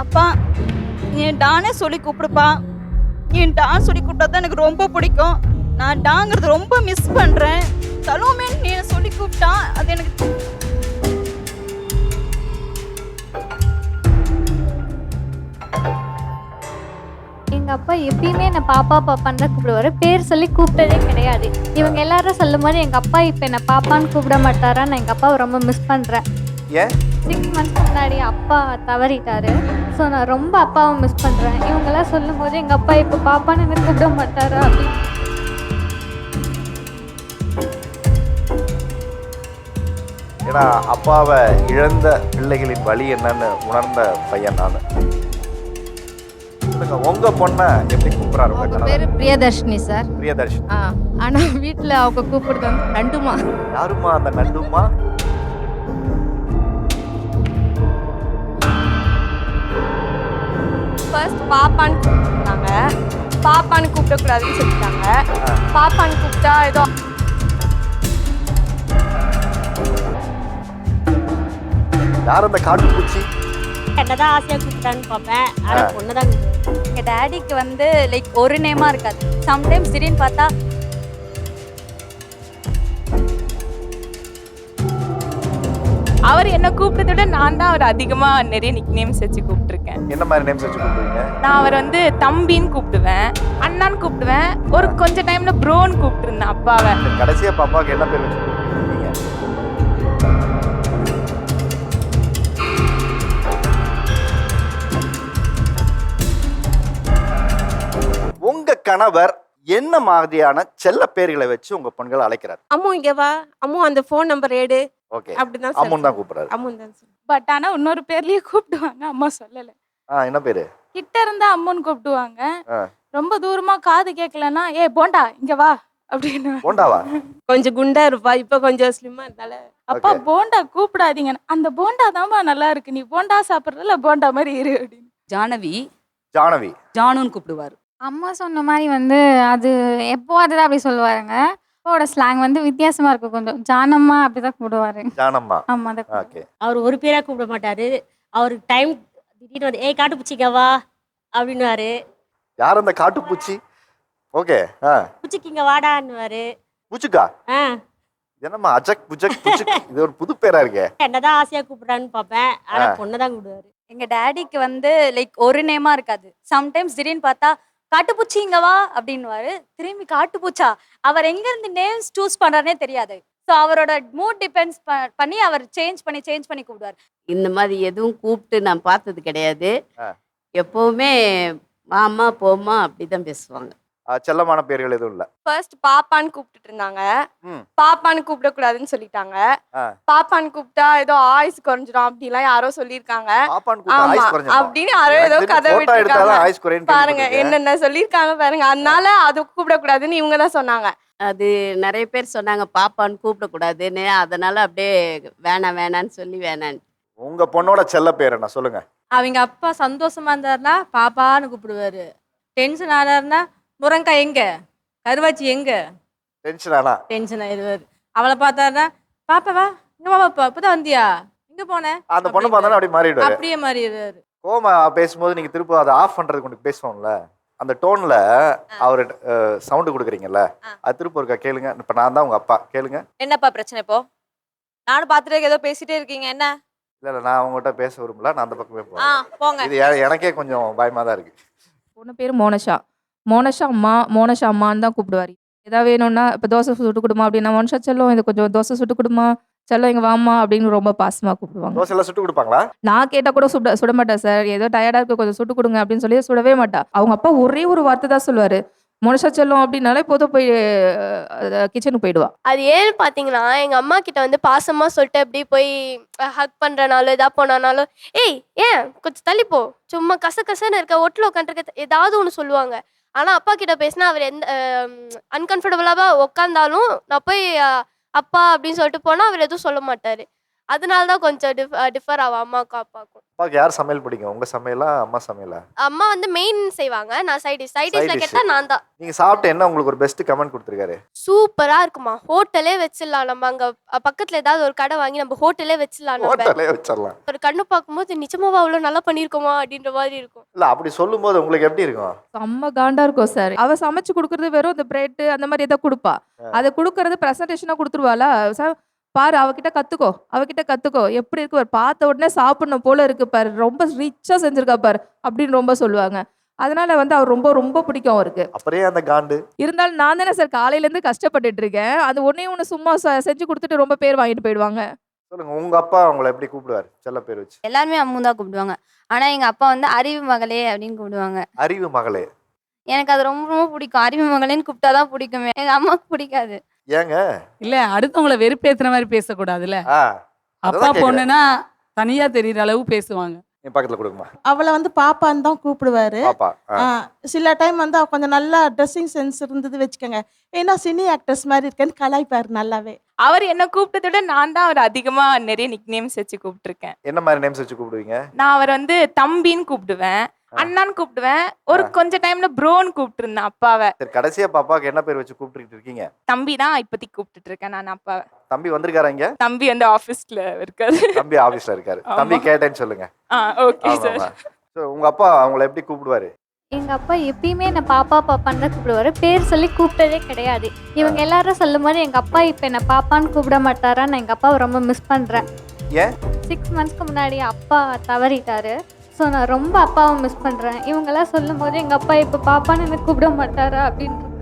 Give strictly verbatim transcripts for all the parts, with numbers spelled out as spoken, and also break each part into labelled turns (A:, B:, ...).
A: அப்பா என் டானே சொல்லி கூப்பிடுப்பா. என் டான் சொல்லி கூப்பிட்டா தான் எனக்கு ரொம்ப பிடிக்கும். நான் டாங்கிறது ரொம்ப மிஸ் பண்றேன். சலோமேன்னு நீ சொல்லி கூப்பிட்டா அது எனக்கு
B: எங்க அப்பா எப்பயுமே என்ன பாப்பா பாப்பான்னு தான் கூப்பிடுவாரு. பேர் சொல்லி கூப்பிட்டதே கிடையாது. இவங்க எல்லாரும் சொல்லும் போது எங்க அப்பா இப்ப என்ன பாப்பான்னு கூப்பிட மாட்டாரா? நான் எங்க அப்பாவை ரொம்ப மிஸ் பண்றேன்.
C: ஏன்
B: சிக்ஸ் மந்த்ஸ் முன்னாடி அப்பா தவறிட்டாரு. ஸோ நான் ரொம்ப அப்பாவை மிஸ் பண்றேன். இவங்கெல்லாம் சொல்லும் போது எங்க அப்பா இப்ப பாப்பான்னு என்ன கூப்பிட மாட்டாரா அப்படின்னு.
C: ஏன்னா அப்பாவை இழந்த பிள்ளைகளின் வழி என்னன்னு உணர்ந்த பையன் நான். சொல்லுங்க, உங்க பொண்ணை எப்படி கூப்பிடுறாரு உங்க
D: அவங்க
C: கணவர்?
D: பேரு பிரியதர்ஷினி சார்.
C: பிரியதர்ஷினி.
D: ஆ ஆனா வீட்டில் அவங்க கூப்பிடுறது வந்து நண்டுமா.
C: யாருமா அந்த நண்டுமா?
E: ஃபர்ஸ்ட் பாப்பான்னு கூப்பிட்டாங்க. பாப்பான்னு கூப்பிடக்கூடாதுன்னு சொல்லிட்டாங்க. பாப்பான்னு கூப்பிட்டா ஏதோ
C: யார் அந்த காட்டுப்பூச்சி?
F: என்னதான் ஆசையா கூப்பிட்டான்னு பார்ப்பேன். ஆனா பொண்ணுதான் கூப்பிடுவேன்.
A: எங்க டாடிக்கு வந்து லைக் ஒரு நேமா இருக்காது. சம்டைம்ஸ் திடீர்னு பார்த்தா
E: அவர் என்ன கூப்பிட்டதை விட நான் தான் அவர் அதிகமா நிறைய நிக் நேம்ஸ் வச்சு கூப்பிட்டுருக்கேன்.
C: என்ன மாதிரி நேம்ஸ் வச்சு கூப்பிடுவீங்க?
E: நான் அவர் வந்து தம்பின்னு கூப்பிடுவேன், அண்ணான்னு கூப்பிடுவேன், ஒரு கொஞ்ச டைம்ல ப்ரோன்னு கூப்பிட்டுருந்தேன் அப்பாவை.
C: கடைசியா பாப்பாவுக்கு என்ன பேர் வச்சு கூப்பிடுவீங்க? உங்க கணவர் என்ன மாதிரியான செல்ல பேர்களை வச்சு உங்க பெண்களை அழைக்கிறார்?
F: அம்மு இங்க வா, அம்மு அந்த ஃபோன் நம்பர் எடு
C: ஓகே,
F: அப்படிதான்
C: அம்மன் தான் கூப்பிடுறாரு.
F: அம்மு தான் சார்.
E: பட் ஆனா இன்னொரு பேர்லயே கூப்பிடுவாங்க, அம்மா சொல்லல.
C: ஆ, என்ன பேரு?
E: கிட்ட இருந்தா அம்முன்னு கூப்பிடுவாங்க.
C: ஆ.
E: ரொம்ப தூரமா காது கேட்கலன்னா ஏ போண்டா இங்க வா அப்படின்னு.
C: போண்டாவா?
F: கொஞ்சம் குண்டா இருப்பா, இப்ப கொஞ்சம் ஸ்லிம்மா இருந்தால.
E: அப்பா
C: Okay.
E: போண்டா கூப்பிடாதீங்க, அந்த போண்டா தான்மா நல்லா இருக்கு, நீ போண்டா சாப்பிட்றதுல போண்டா மாதிரி இரு அப்படின்னு.
G: ஜானவி
C: ஜானவி.
G: ஜானுன்னு கூப்பிடுவார்.
B: அம்மா சொன்ன மாதிரி வந்து அது எப்போ அதுதான் அப்படி சொல்லுவாருங்க. அப்பாவோட ஸ்லாங் வந்து வித்தியாசமா இருக்கும் கொஞ்சம். ஜானம்மா அப்படிதான் கூப்பிடுவாரு.
C: ஜானம்மா.
B: ஆமா அதை
C: ஓகே.
F: அவர் ஒரு பேரா கூப்பிட மாட்டாரு. அவருக்கு டைம் திடீர்னு வந்து ஏய் காட்டு பூச்சிக்க வா அப்படின்னுவாரு.
C: யார் அந்த காட்டுப்பூச்சி? ஓகே. ஆ,
F: பூச்சிக்கு இங்க வாடான்னுவாரு.
C: பூச்சிக்கா?
F: ஆ
C: என்னம்மா அஜக் புஜக் புஜக், இது ஒரு புது பேரா இருக்கே.
F: என்னதான் ஆசையா கூப்பிடுறான்னு பார்ப்பேன். ஆனா பொண்ணுதான் கூப்பிடுவாரு.
A: எங்க டாடிக்கு வந்து லைக் ஒரு நேமா இருக்காது. சம்டைம்ஸ் திடீர்னு பார்த்தா காட்டுப்பூச்சி இங்க வா அப்படின்னுவாரு. திரும்பி காட்டுப்பூச்சா, அவர் எங்க இருந்து நேம்ஸ் சூஸ் பண்றாருனே தெரியாது. ஸோ அவரோட மூட் டிபெண்ட்ஸ் பண்ணி அவர் சேஞ்ச் பண்ணி சேஞ்ச் பண்ணி கூப்பிடுவார்.
H: இந்த மாதிரி எதுவும் கூப்பிட்டு நான் பார்த்தது கிடையாது.
C: ஆ.
H: எப்பவுமே மாமா போமா அப்படிதான் பேசுவாங்க.
C: ஆ, செல்லமான பேர்கள் எதுவும் இல்ல.
E: ஃபர்ஸ்ட் பாப்பான்னு கூப்பிட்டுட்டு இருந்தாங்க.
C: ம்.
E: பாப்பான்னு கூப்பிடக்கூடாதுன்னு சொல்லிட்டாங்க.
C: ஆ.
E: பாப்பான்னு கூப்பிட்டா ஏதோ ஆயுஸ் குறைஞ்சிடும் அப்படிலாம் யாரோ சொல்லியிருக்காங்க.
C: பாப்பான்னு கூப்பிட்டா
E: ஆமா
C: ஆயுஸ் குறைஞ்சிரும்.
E: அப்படின்னு யாரோ ஏதோ
C: எனக்கு
E: கதை
C: தெரிஞ்சு photo எடுத்தாதான்
E: விட்டுருக்காங்க.
C: ஆயுஸ் குறையும்னு
E: பாருங்க
C: கேள்விப்பட்டிருக்கேன்.
E: என்னென்ன சொல்லியிருக்காங்க பாருங்க. அதனால அது கூப்பிடக்கூடாதுன்னு இவங்க தான் சொன்னாங்க.
H: அது நிறைய பேர் சொன்னாங்க பாப்பான்னு கூப்பிடக்கூடாதுன்னு. அதனால அப்படியே வேணாம் வேணான்னு சொல்லி வேணான்னு.
C: உங்க பொண்ணோட செல்ல பேர் என்ன சொல்லுங்க?
D: அவங்க அப்பா சந்தோஷமா இருந்தாருன்னா பாப்பான்னு கூப்பிடுவாரு. டென்ஷன் ஆனாருன்னா முருங்கக்காய் எங்க, கருவாச்சி எங்க,
C: டென்ஷன் ஆனா
D: டென்ஷன் ஆயிடுவாரு. அவளை பார்த்தாருன்னா பாப்பா வா இங்க வா பாப்பா, இப்பதான் வந்தியா, இங்க போன,
C: அந்த பொண்ணு பார்த்தாலும் அப்படி மாறிடுவாரு.
D: அப்படியே மாறிடுவாரு.
C: கோமா பேசும்போது நீங்க திரும்ப அதை ஆஃப் பண்றதுக்கு கொண்டு பேசுவோம்ல, அந்த டோன்ல அவரு சவுண்ட் கொடுக்குறீங்கல்ல, அது திரும்ப இருக்கா கேளுங்க. இப்ப நான் தான் உங்க அப்பா, கேளுங்க.
A: என்னப்பா பிரச்சனை இப்போ? நானும் பார்த்துட்டு ஏதோ பேசிட்டே இருக்கீங்க, என்ன?
C: இல்ல இல்ல, நான் உங்ககிட்ட பேச விரும்பல, நான் அந்த பக்கமே
A: ஆ
C: போறேன்.
A: போங்க.
C: இது எ- எனக்கே கொஞ்சம் பயமா தான் இருக்கு.
I: பொண்ணு பேர் மோனஷா. மோனஷா அம்மா, மோனஷா அம்மான்னு தான் கூப்பிடுவாரு. ஏதாவது வேணும்னா இப்போ தோசை சுட்டு கொடுமா அப்படின்னா, மோனஷா செல்லம் இது கொஞ்சம் தோசை சுட்டு கொடுமா, செல்லம் இங்கே வாம்மா அப்படின்னு ரொம்ப பாசமாக கூப்பிடுவாங்க.
C: தோசை எல்லாம் சுட்டு கொடுப்பாங்களா?
I: நான் கேட்டால் கூட சுட சுட மாட்டா சார். ஏதோ டயர்டாக இருக்கு கொஞ்சம் சுட்டு கொடுங்க அப்படின்னு சொல்லி சுடவே மாட்டா. அவங்க அப்பா ஒரே ஒரு வார்த்தை தான் சொல்லுவார், மோனஷா செல்லம் அப்படின்னாலே போதும் போய் கிச்சனுக்கு போயிடுவா.
J: அது ஏன்னு பார்த்தீங்கன்னா, எங்க அம்மா கிட்ட வந்து பாசமா சொல்லிட்டு அப்படி போய் ஹக் பண்றனாலும் எதா போனாலும், ஏய் ஏன் கொஞ்சம் தள்ளி போ, சும்மா கச கசன்னு இருக்க, ஒட்டில் உட்காந்துருக்க, ஏதாவது ஒன்று சொல்லுவாங்க. ஆனா அப்பா கிட்ட பேசினா அவர் எந்த அன்கம்ஃபர்டபுளாக உட்காந்தாலும் நான் போய் அஹ், அப்பா அப்படின்னு சொல்லிட்டு போனா அவர் எதுவும் சொல்ல மாட்டாரு. அதனால தான் கொஞ்சம் டிஃப் டிஃபர் ஆகும் அம்மாவுக்கும் அப்பாவுக்கும்.
C: அப்பாவுக்கு யார் சமையல் பிடிக்கும்? உங்க சமையலா அம்மா சமையலா?
J: அம்மா வந்து மெயின் செய்வாங்க, நான் சைட் டிஷ். சைட்
C: Side
J: டிஷ்ல
C: dish.
J: கேட்டால் நான் தான்.
C: நீங்க சாப்பிட்டு என்ன உங்களுக்கு ஒரு பெஸ்ட் கமெண்ட் கொடுத்துருக்காரு?
J: சூப்பரா இருக்குமா, ஹோட்டலே வச்சிடலாம் நம்ம. அங்க அ- பக்கத்துல ஏதாவது ஒரு கடை வாங்கி நம்ம ஹோட்டலே வச்சிடலாம் நம்ம.
C: ஹோட்டலே வச்சிடலாம்.
J: ஒரு கண்ணு பார்க்கும்போது நிஜமாவா அவ்வளோ நல்லா பண்ணியிருக்கோமா அப்படின்ற மாதிரி இருக்கும்.
C: இல்ல அப்படி சொல்லும்போது உங்களுக்கு எப்படி இருக்கும்?
I: செம்ம காண்டா இருக்கும் சார். அவ சமைச்சு கொடுக்கறது வெறும் இந்த பிரெட் அந்த மாதிரி ஏதோ கொடுப்பா. அதை கொடுக்கறது ப்ரெசன்டேஷனா கொடுத்துருவாளா சார். பாரு அவகிட்ட கத்துக்கோ, அவகிட்ட கத்துக்கோ, எப்படி இருக்கு பாரு, பார்த்த உடனே சாப்பிடணும் போல இருக்கு பாரு, ரொம்ப ரிச்சா செஞ்சிருக்கா பாரு அப்படின்னு ரொம்ப சொல்லுவாங்க. அதனால வந்து அவர் ரொம்ப ரொம்ப பிடிக்கும் அவருக்கு.
C: அப்புறம் அந்த காண்டு
I: இருந்தாலும் நான் தானே சார் காலையில இருந்து கஷ்டப்பட்டுட்டு இருக்கேன். அது ஒன்னே ஒன்று சும்மா செ- செஞ்சு கொடுத்துட்டு ரொம்ப பேர் வாங்கிட்டு போயிடுவாங்க.
C: சொல்லுங்க, உங்க அப்பா உங்களை எப்படி கூப்பிடுவாரு செல்ல பேர் வச்சு?
G: எல்லாருமே அம்மு தான் கூப்பிடுவாங்க. ஆனா எங்க அப்பா வந்து அறிவு மகளே அப்படின்னு கூப்பிடுவாங்க.
C: அறிவு மகளே.
G: எனக்கு அது ரொம்ப ரொம்ப பிடிக்கும். அறிவு மகளேன்னு கூப்பிட்டாதான் பிடிக்குமே. எங்க அம்மாவுக்கு பிடிக்காது.
C: ஏங்க?
K: இல்ல அடுத்தவங்கள வெறுப்பேத்துற மாதிரி பேசக்கூடாதுல்ல.
C: ஆ
K: அப்பா
C: அதான் கேக்குறேன்.
K: பொண்ணுனா தனியா தெரியுற அளவு பேசுவாங்க.
C: நீ பக்கத்துல கொடுக்குமா
L: அவளை வந்து பாப்பான்னு தான் கூப்பிடுவாரு.
C: பாப்பா? ஆ.
L: ஆ, சில டைம் வந்து அவ கொஞ்சம் நல்லா ட்ரெஸ்ஸிங் சென்ஸ் இருந்தது வச்சுக்கோங்க, ஏன்னா சினி ஆக்ட்ரஸ் மாதிரி இருக்கேன்னு கலாய்ப்பாரு நல்லாவே.
E: அவர் என்ன கூப்பிட்டதை விட நான் தான் அவர் அதிகமா நிறைய நிக் நேம்ஸ் வச்சு கூப்பிட்டுருக்கேன்.
C: என்ன மாதிரி நேம்ஸ் வச்சு கூப்பிடுவீங்க?
E: நான் அவர் வந்து தம்பின்னு கூப்பிடுவேன், அண்ணான்னு கூப்பிடுவேன், ஒரு கொஞ்ச டைம்ல ப்ரோன்னு கூப்பிட்டு இருந்தேன் அப்பாவை.
C: சரி, கடைசியா பாப்பாக்கு என்ன பேர் வச்சு கூப்பிட்டுட்டு இருக்கீங்க?
E: தம்பி தான் இப்போதைக்கு கூப்பிட்டுட்டு இருக்கேன் நான் அப்பாவை.
C: தம்பி வந்திருக்காரா இங்க?
E: தம்பி வந்து ஆஃபீஸ்ல இருக்காரு.
C: தம்பி ஆபீஸ்ல இருக்காரு.
E: ஆமா.
C: தம்பி கேட்டேன்னு சொல்லுங்க.
E: ஆ ஓகே
C: ஆமா,
E: சார்.
C: ஆமா. So, உங்க அப்பா அவங்களை எப்படி கூப்பிடுவாரு?
B: எங்கள் அப்பா எப்பயுமே என்னை பாப்பா பாப்பான்னு தான் கூப்பிடுவாரு. பேர் சொல்லி கூப்பிட்டதே கிடையாது. இவங்க எல்லாரும் சொல்லும் போது எங்கள் அப்பா இப்போ என்னை பாப்பான்னு கூப்பிட மாட்டாரா, நான் எங்கள் அப்பாவை ரொம்ப மிஸ் பண்ணுறேன்.
C: ஏன்?
B: சிக்ஸ் மந்த்ஸ்க்கு முன்னாடி அப்பா தவறிட்டாரு. ஸோ நான் ரொம்ப அப்பாவை மிஸ் பண்ணுறேன். இவங்கெல்லாம் சொல்லும் போது எங்கள் அப்பா இப்போ பாப்பான்னு என்னை கூப்பிட மாட்டாரா அப்படின்னு இருக்கு.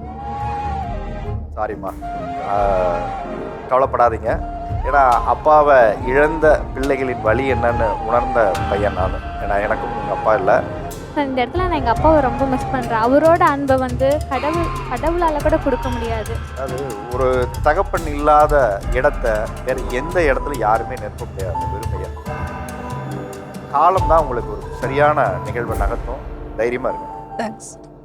C: சாரிம்மா, கவலைப்படாதீங்க. ஏன்னா அப்பாவை இழந்த பிள்ளைகளின் வலி என்னன்னு உணர்ந்த பையன் நான். ஏன்னா எனக்கும் எங்கள் அப்பா இல்லை.
B: ஸோ இந்த இடத்துல நான் எங்கள் அப்பாவை ரொம்ப மிஸ் பண்ணுறேன். அவரோட அன்பை வந்து கடவுள் கடவுளால் கூட கொடுக்க முடியாது.
C: அது ஒரு தகப்பன் இல்லாத இடத்த வேற எந்த இடத்துல யாருமே நிரப்ப முடியாது. வெறுமையா காலம் தான் உங்களுக்கு ஒரு சரியான நிகழ்வை நகர்த்தும். தைரியமா இருக்கு.
K: தேங்க்ஸ்.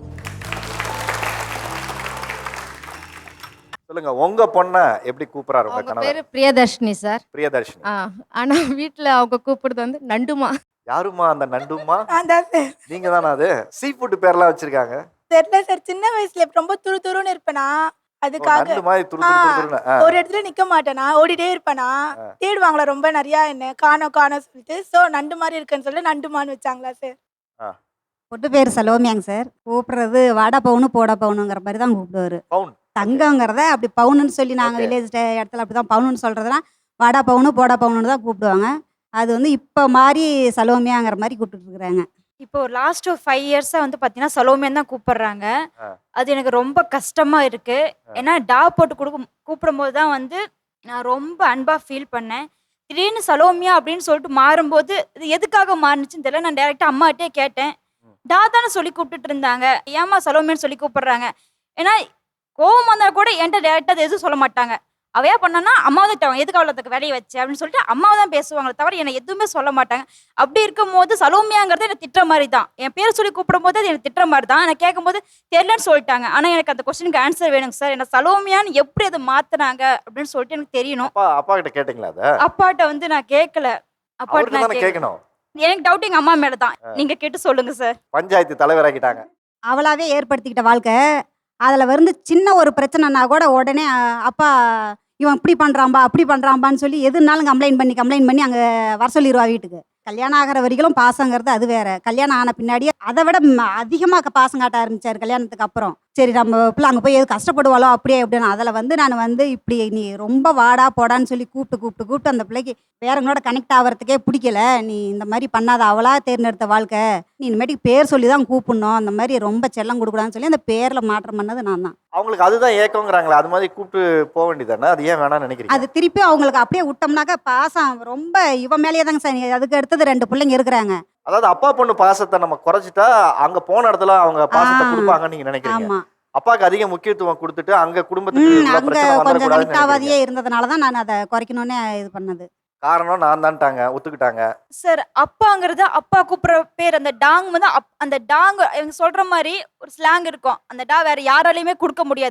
C: சொல்லுங்க, உங்க பொண்ணை எப்படி கூப்பிடுறாரு உங்க
G: அவங்க
C: கணவர்?
G: பேரு பிரியதர்ஷினி சார்.
C: பிரியதர்ஷினி.
G: ஆ ஆனா வீட்டில் அவங்க கூப்பிடுறது வந்து நண்டுமா.
C: யாருமா அந்த நண்டுமா?
M: அதான் சார்.
C: நீங்க தானே அது? சீ ஃபுட் பேர்லாம் வச்சிருக்காங்க.
M: தெரியல சார், சின்ன வயசுல ரொம்ப துரு துருன்னு இருப்பேனா,
C: ஓ,
M: அதுக்காக
C: நண்டு மாதிரி துரு துரு துரு துருன்னு. ஆ.
M: ஒரு இடத்துல நிக்க மாட்டேனா, ஓடிட்டே இருப்பேனா, தேடுவாங்களா ரொம்ப நிறைய என்ன காணோம் காணோம் சொல்லிட்டு, சோ நண்டு மாதிரி இருக்குன்னு சொல்லி நண்டுமான்னு வச்சாங்களா சார்.
C: ஆ.
N: பொட்டு பேர் சலோமியாங்க சார். கூப்பிடுறது வாடா பவுனு போடா பவுனுங்கிற மாதிரி தான் கூப்பிடுவாரு.
C: பவுன்
N: தங்கங்கிறத அப்படி பவுனுன்னு சொல்லி நாங்கள்
C: Okay.
N: வில்லேஜ் இடத்துல அப்படி தான் பவுனுன்னு சொல்கிறதுனா வாடா பவுனு போடா பவுனுன்னு தான் கூப்பிடுவாங்க. அது வந்து இப்போ மாதிரி சலோமியாங்கிற மாதிரி கூப்பிட்டுட்டு இருக்கிறாங்க.
A: இப்போ லாஸ்ட் ஒரு ஃபைவ் இயர்ஸாக வந்து பார்த்தீங்கன்னா சலோமியன் தான் கூப்பிடுறாங்க.
C: ஆ.
A: அது எனக்கு ரொம்ப கஷ்டமா இருக்கு. ஏன்னா டா போட்டு கொடுக்கும் கூப்பிடும்போது தான் வந்து நான் ரொம்ப அன்பா ஃபீல் பண்ணேன். திடீர்னு சலோமியா அப்படின்னு சொல்லிட்டு மாறும்போது இது எதுக்காக மாறுனுச்சுன்னு தெரியல. நான் டேரெக்டாக அம்மாட்டே கேட்டேன். டா தானே சொல்லி கூப்பிட்டுட்டு இருந்தாங்க, ஏமா சலோமியான்னு சொல்லி கூப்பிடுறாங்க. ஏன்னா கோவம் வந்தால் கூட என்கிட்ட டேரெக்டாக அது எதுவும் சொல்ல மாட்டாங்க. அவையா பண்ணனா அம்மா தான் எதுக்கு அவ்வளோத்துக்கு வேலையை வச்சு அப்படின்னு சொல்லிட்டு அம்மாவை தான் பேசுவாங்களே தவிர என்னை எதுவுமே சொல்ல மாட்டாங்க. அப்படி இருக்கும் போது சலோமியாங்கிறது எனக்கு திட்டுற மாதிரி தான். என் பேர் சொல்லி கூப்பிடும் போது அது எனக்கு திட்டுற மாதிரி தான். நான் கேட்கும் போது தெரியலன்னு சொல்லிட்டாங்க. ஆனால் எனக்கு அந்த கொஸ்டினுக்கு ஆன்சர் வேணுங்க சார். என்ன சலோமியான்னு எப்படி அதை மாத்துனாங்க அப்படின்னு சொல்லிட்டு எனக்கு தெரியணும்.
C: அப்பா அப்பா கிட்ட கேட்டீங்களா அதை?
A: அப்பாட்ட வந்து நான் கேட்கல. அப்பாட்ட
C: அவர்கிட்ட
A: நான்
C: தானே
A: கேட்கணும்.
C: கேட்கணும்.
A: எனக்கு டவுட் எங்க அம்மா மேல தான். நீங்க கேட்டு சொல்லுங்க சார்.
C: பஞ்சாயத்து தலைவராக்கிட்டாங்க.
N: அவளாவே ஏற்படுத்திக்கிட்ட வாழ்க்கை. அதில் வந்து சின்ன ஒரு பிரச்சனைனா கூட உடனே அஹ், அப்பா இவன் இப்படி பண்ணுறான்பா அப்படி பண்ணுறான்பான்னு சொல்லி எதுனாலும் கம்ப்ளைண்ட் பண்ணி கம்ப்ளைண்ட் பண்ணி அங்கே வர சொல்லிடுவா வீட்டுக்கு. கல்யாணம் ஆகிற வரைக்கும் பாசங்கிறது அது வேற. கல்யாணம் ஆன பின்னாடியே அதை விட அதிகமாக பாசம் காட்ட ஆரம்பிச்சார் கல்யாணத்துக்கு அப்புறம். சரி நம்ம பிள்ளை அங்கே போய் எது கஷ்டப்படுவாளோ அப்படியே அப்படின்னு அதில் வந்து நான் வந்து இப்படி நீ ரொம்ப வாடா போடான்னு சொல்லி கூப்பிட்டு கூப்பிட்டு கூப்பிட்டு அந்த பிள்ளைக்கு வேறங்களோட கனெக்ட் ஆகிறதுக்கே பிடிக்கல. நீ இந்த மாதிரி பண்ணாத, அவளா தேர்ந்தெடுத்த வாழ்க்கை, நீ இனிமேட்டுக்கு பேர் சொல்லி தான் கூப்பிடணும், அந்த மாதிரி ரொம்ப செல்லம் கொடுக்கூடாதுன்னு சொல்லி அந்த பேரில் மாற்றம் பண்ணது நான் தான்.
C: அவங்களுக்கு அதுதான் ஏக்கங்கிறாங்களே, அது மாதிரி கூப்பிட்டு போக வேண்டியதானே? அது ஏன் வேணாம்னு நினைக்கிறீங்க?
N: அது திருப்பி அவங்களுக்கு அப்படியே விட்டோம்னாக்கா பாசம் ரொம்ப இவன் மேலேயே தாங்க சார். அதுக்கு அடுத்தது ரெண்டு பிள்ளைங்க இருக்கிறாங்க.
C: அதாவது அப்பா பொண்ணு பாசத்தை நம்ம குறைச்சிட்டா அங்க போன இடத்துல அவங்க பாசத்தை
N: ஆ.
C: கொடுப்பாங்கன்னு நீங்க நினைக்கிறீங்க.
N: ஆமா.
C: அப்பாக்கு அதிக முக்கியத்துவம் கொடுத்துட்டு அங்க குடும்பத்துக்கு
N: ம்
C: உள்ள
N: அங்கே
C: பிரச்சனை
N: கொஞ்சம்
C: வந்துடக்கூடாதுன்னு
N: கனெக்ட் ஆகாதையே
C: நினைக்கிறீங்க.
N: இருந்ததுனால தான் நான் அதை குறைக்கணும்னு இது பண்ணது.
C: காரணம் நான் தான்ட்டாங்க, ஒத்துக்கிட்டாங்க.
A: சார் அப்பாங்கிறது அப்பா கூப்பிடுற பேர் அந்த டாங் வந்து அப்- அந்த டாங் இவங்க சொல்ற மாதிரி ஒரு ஸ்லாங் இருக்கும். அந்த டா வேற யாராலையுமே கொடுக்க முடியாது.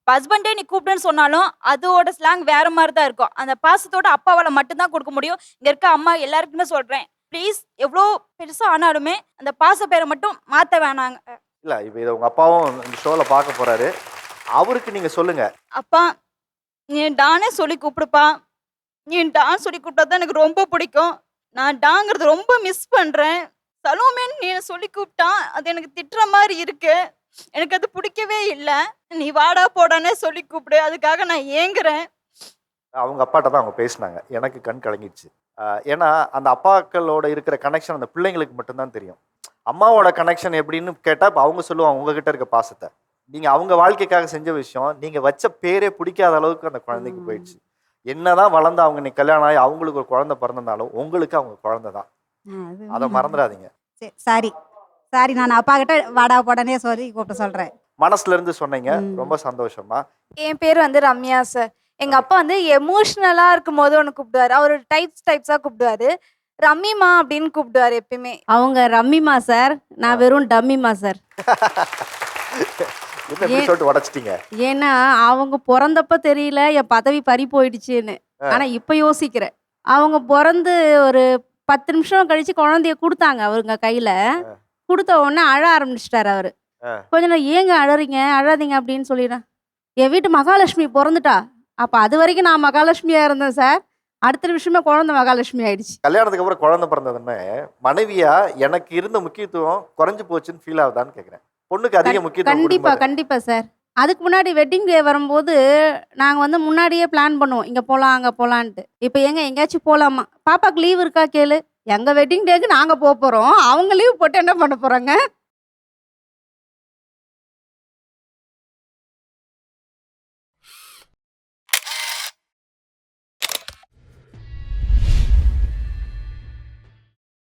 O: ஹஸ்பண்டே நீ கூப்பிடுன்னு சொன்னாலும் அதோட ஸ்லாங் வேற மாதிரி தான் இருக்கும். அந்த பாசத்தோட அப்பாவால் மட்டும்தான் கொடுக்க முடியும். இங்க இருக்க அம்மா எல்லாருக்குமே சொல்றேன், ப்ளீஸ் எவ்வளோ பெருசா ஆனாலுமே அந்த பாச பேரை மட்டும் மாத்த வேணாங்க.
C: இல்ல இப்போ இதை உங்க அப்பாவும் இந்த ஷோல பார்க்க போறாரு. அவருக்கு நீங்க சொல்லுங்க.
O: அப்பா நீ டானே சொல்லி கூப்பிடுப்பா. நீ டான் சொல்லி கூப்பிட்டா தான் எனக்கு ரொம்ப பிடிக்கும். நான் டாங்கிறது ரொம்ப மிஸ் பண்றேன். சலோமேன்னு நீ சொல்லி கூப்பிட்டா அது எனக்கு திட்டுற மாதிரி இருக்கு. எனக்கு அது பிடிக்கவே இல்லை. நீ வாடா போடானே சொல்லி கூப்பிடு, அதுக்காக நான் ஏங்குறேன்.
C: அவங்க அப்பாட்ட தான் அவங்க பேசினாங்க. எனக்கு கண் கலங்கிடுச்சு. ஆஹ் ஏன்னா அந்த அப்பாக்களோட இருக்கிற கனெக்ஷன் அந்த பிள்ளைங்களுக்கு மட்டும்தான் தெரியும். அம்மாவோட கனெக்ஷன் எப்படின்னு கேட்டால் இப்போ அவங்க சொல்லுவாங்க உங்ககிட்ட இருக்க பாசத்தை. நீங்கள் அவங்க வாழ்க்கைக்காக செஞ்ச விஷயம் நீங்கள் வச்ச பேரே பிடிக்காத அளவுக்கு அந்த குழந்தைக்கு போயிடுச்சு. என்னதான் வளர்ந்து அவங்க நீ கல்யாணம் ஆகி அவங்களுக்கு ஒரு குழந்தை பிறந்தனாலும் உங்களுக்கு அவங்க குழந்தை தான். அதை மறந்துடாதீங்க.
N: சரி சாரி சாரி நான் அப்பா கிட்ட வாடா போடனே சொல்லி கூப்பிட சொல்கிறேன்.
C: மனசுல இருந்து சொன்னீங்க, ரொம்ப சந்தோஷமா.
G: என் பேர் வந்து ரம்யா சார். எங்க அப்பா வந்து எமோஷ்னலா இருக்கும் போது ஒன்று கூப்பிடுவாரு. அவர் டைப்ஸ் டைப்ஸா கூப்பிடுவாரு. ரம்மிமா அப்படின்னு கூப்பிடுவாரு எப்பயுமே.
H: அவங்க ரம்மிமா சார், நான் வெறும் டம்மிமா சார்.
C: என்ன இப்படி சொல்லிட்டு உடைச்சிட்டீங்க?
H: ஏன்னா அவங்க பிறந்தப்ப தெரியல என் பதவி பறி போயிடுச்சுன்னு. ஆனா இப்ப யோசிக்கிறேன். அவங்க பிறந்து ஒரு பத்து நிமிஷம் கழிச்சு குழந்தைய கொடுத்தாங்க அவருங்க கையில. கொடுத்த உடனே அழ ஆரம்பிச்சிட்டாரு அவரு. கொஞ்ச நேரம் ஏங்க அழறீங்க அழாதீங்க அப்படின்னு சொல்லிடுறேன். என் வீட்டு மகாலட்சுமி பிறந்துட்டா. அப்ப அது வரைக்கும் நான் மகாலட்சுமியா இருந்தேன் சார். அடுத்த நிமிஷமே குழந்தை மகாலட்சுமி ஆயிடுச்சு.
C: கல்யாணத்துக்கு அப்புறம் குழந்தை பிறந்ததுன்னு மனைவியா எனக்கு இருந்த முக்கியத்துவம் குறைஞ்சு போச்சுன்னு ஃபீல் ஆகுதான்னு கேட்குறேன். பொண்ணுக்கு அதிக முக்கியத்துவம்.
H: கண்டிப்பா கண்டிப்பா சார். அதுக்கு முன்னாடி வெட்டிங் டே வரும்போது நாங்கள் வந்து முன்னாடியே பிளான் பண்ணுவோம், இங்கே போகலாம் அங்கே போகலான்ட்டு. இப்போ எங்க எங்கேயாச்சும் போகலாமா, பாப்பாக்கு லீவ் இருக்கா கேளு. எங்கள் வெட்டிங் டேக்கு நாங்கள் போக போகிறோம், அவங்க லீவ் போட்டு என்ன பண்ண போகிறாங்க?